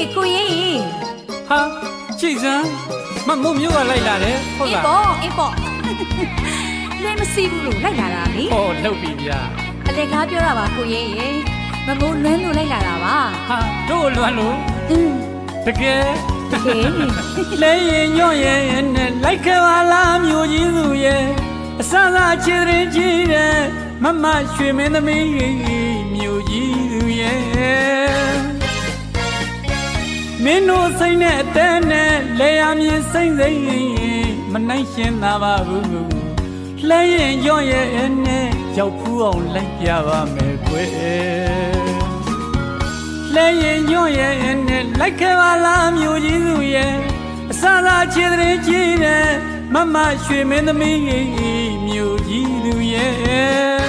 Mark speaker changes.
Speaker 1: ကိုရင်
Speaker 2: ဟာကြည်စမ်းမမို့မျိုးကလိုက်လာတယ်ဟုတ်လား
Speaker 1: အေးပေါ့လဲမစီဘူးလို့လိုက်လာတာလေ
Speaker 2: ဟောလှုပ်ပြီဗျာ
Speaker 1: အလေကားပြောတာပါကိုရင်မမိုးလွမ်းလို့လိုက်လာတာပါ
Speaker 2: ဟာတို့လွမ်းလို့တကယ်လဲရင်ညွန့်ရဲ့နဲ့လိုက်ခဲ့ပါလားမျိုးကြီးသူရဲ့အစသာချစ်ရင်ကြည့်တယ်မမရွှေမင်းသမီးမျိုးကြီးသူရဲ့မင်းတို့စိတ်နဲ့အတန်းနဲ့လေယာမြင်စိမ့်စိမ့်မနိုင်ရှင်းသာပါဘူးလဲရင်ညွန့်ရဲ့နဲ့ရောက်ဖူးအောင်လိုက်ပြပါမယ်ကွယ်လဲရင်ညွန့်ရဲ့နဲ့လိုက်ခဲ့ပါလားမျိုးကြီးသူရဲ့အစသာချစ်တဲ့ကြည့်တယ်မမရွှေမင်းသမီးမျိုးကြီးသူရဲ့